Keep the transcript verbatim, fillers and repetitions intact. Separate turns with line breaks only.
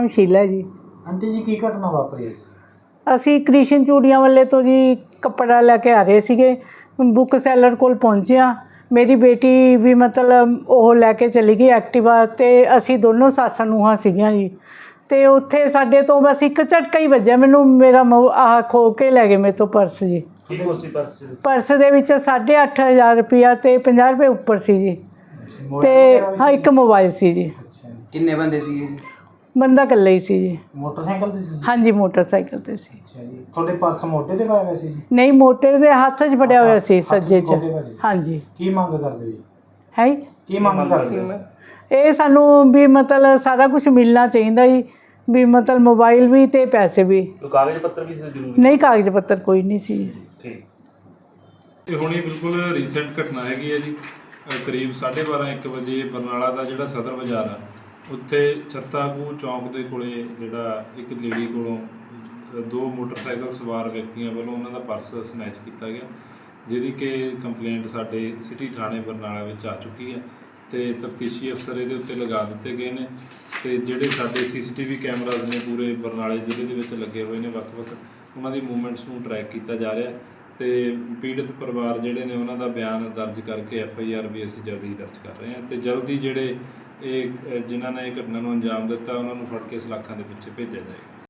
नाम शीला जी।
आंटी जी की घटना वापरी है?
ਅਸੀਂ ਕ੍ਰਿਸ਼ਨ ਚੂੜੀਆਂ ਵਾਲੇ ਤੋਂ ਜੀ ਕੱਪੜਾ ਲੈ ਕੇ ਆ ਰਹੇ ਸੀਗੇ, ਬੁੱਕ ਸੈਲਰ ਕੋਲ ਪਹੁੰਚਿਆ। ਮੇਰੀ ਬੇਟੀ ਵੀ ਮਤਲਬ ਉਹ ਲੈ ਕੇ ਚਲੀ ਗਈ ਐਕਟਿਵਾ, ਤੇ ਅਸੀਂ ਦੋਨੋਂ ਸੱਸ ਨੂੰਹਾਂ ਸੀਗੀਆਂ ਜੀ। ਤੇ ਉੱਥੇ ਸਾਡੇ ਤੋਂ ਬਸ ਇੱਕ ਝਟਕਾ ਹੀ ਵੱਜਿਆ ਮੈਨੂੰ, ਮੇਰਾ ਮੋ ਆਹ ਖੋ ਕੇ ਲੈ ਗਏ ਮੇਰੇ ਤੋਂ ਪਰਸ ਜੀ।
ਕੀ ਕੁਛ ਸੀ ਪਰਸ 'ਚ?
ਪਰਸ ਦੇ ਵਿੱਚ ਸਾਢੇ ਅੱਠ ਹਜ਼ਾਰ ਰੁਪਇਆ ਤੇ ਪੰਜਾਹ ਰੁਪਏ ਉੱਪਰ ਸੀ ਜੀ, ਤੇ ਹਾਂ ਇੱਕ ਮੋਬਾਈਲ ਸੀ ਜੀ।
ਅੱਛਾ ਜੀ।
ਕਿੰਨੇ ਬੰਦੇ ਸੀ ਜੀ?
ਬੰਦਾ ਇਕੱਲਾ ਹੀ ਸੀ ਜੀ।
ਮੋਟਰਸਾਈਕਲ ਤੇ ਸੀ?
ਹਾਂਜੀ ਮੋਟਰਸਾਈਕਲ ਤੇ ਸੀ।
ਅੱਛਾ ਜੀ। ਤੁਹਾਡੇ ਪਰਸ ਮੋਢੇ ਤੇ ਪਾਇਆ ਹੋਇਆ ਸੀ ਜੀ?
ਨਹੀਂ, ਮੋਟੇ ਦੇ ਹੱਥ 'ਚ ਫੜਿਆ ਹੋਇਆ ਸੀ,
ਹੱਥ 'ਚ
ਸੱਜੇ 'ਚ।
ਖੋਕੇ ਭਾਜੀ।
ਹਾਂਜੀ।
ਕੀ ਮੰਗ ਕਰਦੇ ਜੀ?
ਹੈ
ਕੀ ਮੰਗ ਕਰਦੇ ਹੋ?
ਇਹ ਸਾਨੂੰ ਵੀ ਮਤਲਬ ਸਾਰਾ ਕੁਝ ਮਿਲਣਾ ਚਾਹੀਦਾ ਜੀ, ਵੀ ਮਤਲਬ ਮੋਬਾਈਲ ਵੀ ਤੇ ਪੈਸੇ ਵੀ।
ਕੋਈ ਕਾਗਜ਼ ਪੱਤਰ ਵੀ ਜ਼ਰੂਰੀ?
ਨਹੀਂ, ਕਾਗਜ਼ ਪੱਤਰ ਕੋਈ ਨਹੀਂ ਸੀ।
ਠੀਕ।
ਇਹ ਹੁਣੀ ਬਿਲਕੁਲ ਰੀਸੈਂਟ ਘਟਨਾ ਹੈਗੀ ਹੈ ਜੀ। ਅ, ਕਰੀਬ ਸਾਢੇ ਬਾਰਾਂ ਇੱਕ ਵਜੇ ਬਰਨਾਲਾ ਦਾ ਜਿਹੜਾ ਸਦਰ ਬਾਜ਼ਾਰ ਆ, ਉੱਥੇ ਛੱਤਾਕੂ ਚੌਂਕ ਦੇ ਕੋਲੇ ਜਿਹੜਾ ਇੱਕ ਲੇਡੀ ਕੋਲੋਂ ਅ, ਦੋ ਮੋਟਰਸਾਈਕਲ ਸਵਾਰ ਵਿਅਕਤੀਆਂ ਵੱਲੋਂ ਉਹਨਾਂ ਦਾ ਪਰਸ ਸਨੈਚ ਕੀਤਾ ਗਿਆ, ਜਿਹਦੀ ਕਿ ਕੰਪਲੇਂਟ ਸਾਡੇ ਸਿਟੀ ਥਾਣੇ ਬਰਨਾਲਾ ਵਿੱਚ ਆ ਚੁੱਕੀ ਹੈ, ਤੇ ਤਫਤੀਸ਼ੀ ਅਫਸਰ ਇਹਦੇ ਉੱਤੇ ਲਗਾ ਦਿੱਤੇ ਗਏ ਨੇ। ਤੇ ਜਿਹੜੇ ਸਾਡੇ ਸੀ ਸੀ ਟੀ ਵੀ ਕੈਮਰਾਜ਼ ਨੇ ਪੂਰੇ ਬਰਨਾਲੇ ਜ਼ਿਲ੍ਹੇ ਦੇ ਵਿੱਚ ਲੱਗੇ ਹੋਏ ਨੇ, ਵੱਖ-ਵੱਖ ਉਹਨਾਂ ਦੀ ਮੂਵਮੈਂਟਸ ਨੂੰ ਟਰੈਕ ਕੀਤਾ ਜਾ ਰਿਹਾ। ਤੇ ਪੀੜਤ ਪਰਿਵਾਰ ਜਿਹੜੇ ਨੇ ਉਹਨਾਂ ਦਾ ਬਿਆਨ ਦਰਜ ਕਰਕੇ ਐਫ ਆਈ ਆਰ ਵੀ ਅਸੀਂ ਜਲਦੀ ਦਰਜ ਕਰ ਰਹੇ ਹਾਂ, ਤੇ ਜਲਦੀ ਜਿਹੜੇ ਇਹ ਜਿਨ੍ਹਾਂ ਨੇ ਇਹ ਘਟਨਾ ਨੂੰ ਅੰਜਾਮ ਦਿੱਤਾ ਉਹਨਾਂ ਨੂੰ ਫੜ ਕੇ ਸਲਾਖਾਂ ਦੇ ਪਿੱਛੇ ਭੇਜਿਆ ਜਾਏਗਾ।